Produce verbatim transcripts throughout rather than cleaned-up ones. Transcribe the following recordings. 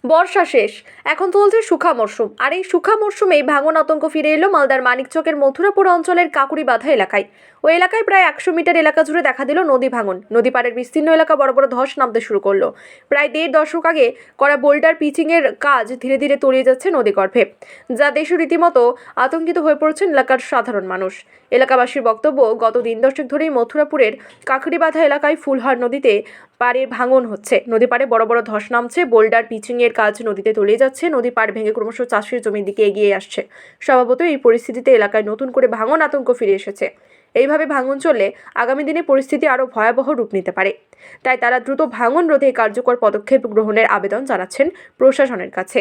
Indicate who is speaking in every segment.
Speaker 1: বর্ষা শেষ, এখন চলছে শুখা মরশুম। আর এই শুখা মরশুমেই ভাঙন আতঙ্ক ফিরে এলো মালদার মানিকচকের মথুরাপুর অঞ্চলের কাকুরিবাঁধা এলাকায়। ওই এলাকায় প্রায় একশো মিটার এলাকা জুড়ে দেখা দিল নদী ভাঙন। নদী পাড়ের বিস্তীর্ণ এলাকা বড় বড় ধস নামতে শুরু করলো। প্রায় দেড় দশক আগে করা বোল্ডার পিচিং এর কাজ ধীরে ধীরে তলিয়ে যাচ্ছে নদী গর্ভে, যা দেশে রীতিমতো আতঙ্কিত হয়ে পড়ছেন এলাকার সাধারণ মানুষ। এলাকাবাসীর বক্তব্য, গত দিন দশেক ধরেই মথুরাপুরের কাকুরিবাঁধা এলাকায় ফুলহার নদীতে পাড়ের ভাঙন হচ্ছে। নদী পাড়ে বড় বড় ধস নামছে, বোল্ডার পিচিং এর কাজ নদীতে তলিয়ে যাচ্ছে, নদী পাড় ভেঙে ক্রমশ চাষের জমির দিকে এগিয়ে আসছে। স্বভাবতই এই পরিস্থিতিতে এলাকায় নতুন করে ভাঙন আতঙ্ক ফিরে এসেছে। এইভাবে ভাঙন চললে আগামী দিনে পরিস্থিতি আরও ভয়াবহ রূপ নিতে পারে। তাই তারা দ্রুত ভাঙন রোধে কার্যকর পদক্ষেপ গ্রহণের আবেদন জানাচ্ছেন প্রশাসনের কাছে।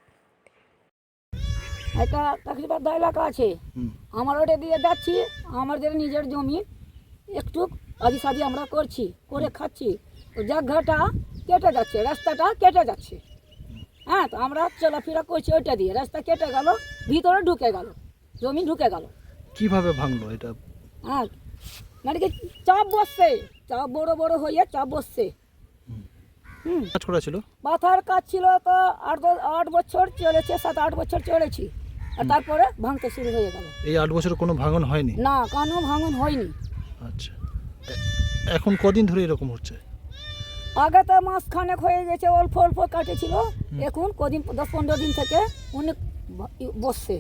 Speaker 2: একটা কাকুরিবাঁধা এলাকা আছে, আমার ওটা দিয়ে যাচ্ছি, আমাদের নিজের জমি একটু আদি সাদি আমরা করছি, করে খাচ্ছি। তো জায়গাটা কেটে যাচ্ছে, রাস্তাটা কেটে যাচ্ছে। হ্যাঁ, তো আমরা চলাফেরা করছি ওইটা দিয়ে, রাস্তা কেটে গেল, ভিতরে ঢুকে গেল, জমি ঢুকে গেল।
Speaker 3: কিভাবে ভাঙলো এটা?
Speaker 2: হ্যাঁ, মানে কি চাপ বসছে, চাপ বড় বড় হয়ে চাপ বসছে। হুম,
Speaker 3: কাজ করা ছিল,
Speaker 2: পাথার কাজ ছিল তো আট দশ- আট বছর চলেছে, সাত আট বছর চলেছি, আর তারপরে ভাঙতে শুরু হয়ে গেল।
Speaker 3: এই আট বছরে কোনো ভাঙন হয়নি?
Speaker 2: না, কোনো ভাঙন হয়নি।
Speaker 3: আচ্ছা, এ- এখন কদিন ধরে এরকম হচ্ছে?
Speaker 2: আগে তো মাস খানেক হয়ে গেছে, অল্প অল্প কাটেছিল, এখন কদিন দশ পনেরো দিন থেকে অনেক ব- ই- বসছে।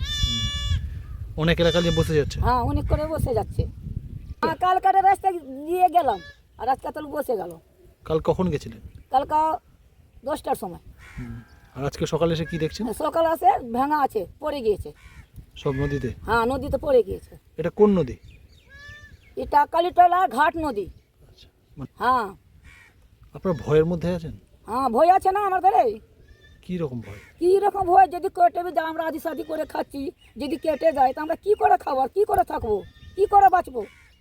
Speaker 3: অনেক এলাকা নিয়ে বসে যাচ্ছে।
Speaker 2: হ্যাঁ, অনেক করে বসে যাচ্ছে। হ্যাঁ, কালকাটা রাস্তা দিয়ে গেলাম, আর আজকে তো বসে গেল।
Speaker 3: কাল কখন গেছিলেন?
Speaker 2: কালকা দশটার সময়।
Speaker 3: আর আজকে সকালে এসে কি দেখছেন?
Speaker 2: সকাল আসে ভাঙা আছে, পড়ে গিয়েছে।
Speaker 3: সব নদীতে?
Speaker 2: হ্যাঁ, নদীতে পড়ে গিয়েছে।
Speaker 3: এটা কোন নদী?
Speaker 2: এটা কালীতলা ঘাট নদী।
Speaker 3: আচ্ছা, মানে
Speaker 2: হ্যাঁ
Speaker 3: আপনার ভয়ের মধ্যে আছেন?
Speaker 2: হ্যাঁ, ভয় আছে না আমাদের। এই
Speaker 3: কি রকম ভয়?
Speaker 2: কী রকম ভয়, যদি কেটে যায়, আমরা আদি সাদি করে খাচ্ছি, যদি কেটে যায় তো আমরা কী করে খাবো, আর কী করে থাকবো, কী করে বাঁচবো?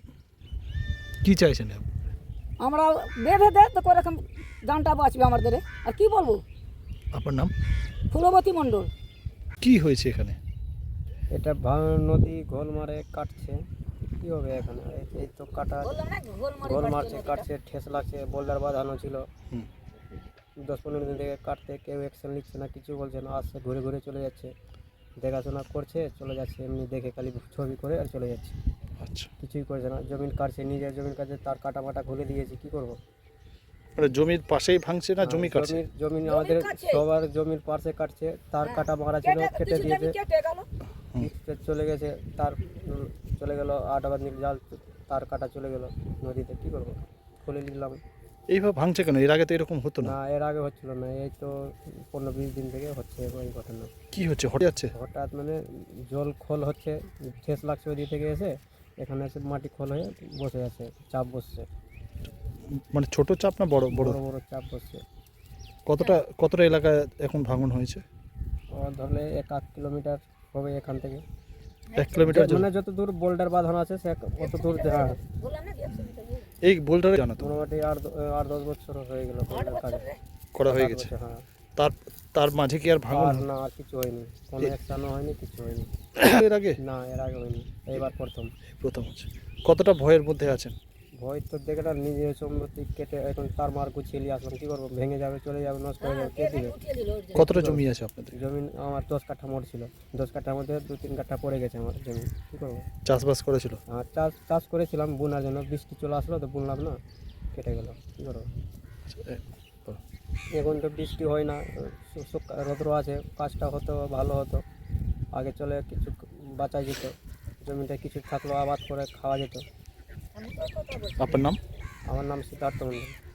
Speaker 3: কি চাইছেন আপনি?
Speaker 2: আমরা বেঁধে দেয় তো করে এখন জানটা বাঁচবে আমাদের, আর কি বলবো।
Speaker 3: আপনার নাম?
Speaker 2: ফুলবতী মণ্ডল।
Speaker 3: কি হয়েছে এখানে?
Speaker 4: এটা ভাঙন নদী গোল মারে কাটছে, কি হবে এখানে? এই- এই তো কাটা গোল মারছে, কাটছে, ঠেস লাগছে, বোল্ডার বাঁধানো ছিল।
Speaker 3: হুম।
Speaker 4: দশ পনেরো দিন থেকে কাটতে কেউ অ্যাকশন নিচ্ছে না, কিছু বলছে না, আসছে ঘুরে ঘুরে চলে যাচ্ছে, দেখাশোনা করছে, চলে যাচ্ছে, এমনি দেখে খালি ছবি করে আর চলে যাচ্ছে,
Speaker 3: আচ্ছা,
Speaker 4: কিছুই করছে না। জমিন কাটছে, নিজের জমির কাছে তার কাটা মাটা খুলে দিয়েছে, কি করবো?
Speaker 3: মানে জমির পাশেই ভাঙছে না জমি কাটছে?
Speaker 4: জমির জমিন আমাদের সবার জমির পাশে কাটছে, তার কাটা মারা ছিল, কেটে দিয়েছে, চলে গেছে, তার উম, চলে গেল আট আবার নীল জাল, তার কাটা চলে গেল নদীতে, কি করবো? খুলে নিলাম।
Speaker 3: এইভাবে ভাঙছে কেন? এর আগে তো এরকম হতো না।
Speaker 4: না, এর আগে হচ্ছিল না, এই তো পনেরো বিশ দিন থেকে হচ্ছে এই ঘটনা।
Speaker 3: কি হচ্ছে, হঠাৎ যাচ্ছে?
Speaker 4: হঠাৎ মানে জল খোল হচ্ছে, ঠেস লাগছে ওই দিক থেকে এসে, এখানে এসে মাটি খোল হয়ে বসে আছে, চাপ বসছে,
Speaker 3: মানে ছোট চাপ না বড় বড়?
Speaker 4: বড় বড় চাপ বসছে।
Speaker 3: কতটা কতটা এলাকায় এখন ভাঙন হয়েছে?
Speaker 4: ও ধরলে এক আধ কিলোমিটার হবে এখান থেকে,
Speaker 3: এক কিলোমিটার জন্য?
Speaker 4: মানে যত দূর বোল্ডার বাঁধানো আছে সে অত দূর। হ্যাঁ,
Speaker 3: এই বোল্ডারে জানো তো
Speaker 4: মোটামুটি আট দ- আট দশ বছর হয়ে গেল বোল্ডার কাজ
Speaker 3: করা হয়ে
Speaker 4: সাত
Speaker 3: গেছে।
Speaker 4: বছর, হ্যাঁ।
Speaker 3: তার তার মাঝে কি আর ভাঙন
Speaker 4: আর না, আর কিছু হয়নি, কোনো অ্যাকশনও হয়নি, কিছু হয়নি।
Speaker 3: এর আগে?
Speaker 4: না, এর আগে হয়নি, এইবার প্রথম।
Speaker 3: প্রথম হচ্ছে। কতটা ভয়ের মধ্যে আছেন?
Speaker 4: ভয় তো দেখে না, নিজের সম্পত্তি কেটে এখন তার মার গুছিয়ে নিয়ে আসলাম, কী করবো? ভেঙে যাবে, চলে যাবে, নষ্ট হয়ে যাবে, কে দিবে?
Speaker 3: কতটা জমি আছে আপনাদের?
Speaker 4: জমি আমার দশ কাঠা মোট ছিল, দশ কাঠার মধ্যে দু তিন কাঠা পড়ে গেছে আমার জমি, কী করবো?
Speaker 3: চাষবাস করেছিল?
Speaker 4: আর চাষ চাষ করেছিলাম বুনার জন্য, বৃষ্টি চলে আসলো তো বুনলাম না, কেটে গেল, কী করবো?
Speaker 3: আচ্ছা, এ, বলো।
Speaker 4: এখন তো বৃষ্টি হয় না, শু- শুক- রৌদ্র আছে, কাজটা হতো ভালো হতো, আগে চলে কিছু বাঁচা যেত, জমিটা কিছু থাকলো আবাদ করে খাওয়া যেত।
Speaker 3: আপনার নাম?
Speaker 4: আমার নাম সিদ্ধার্থ মন্ডল।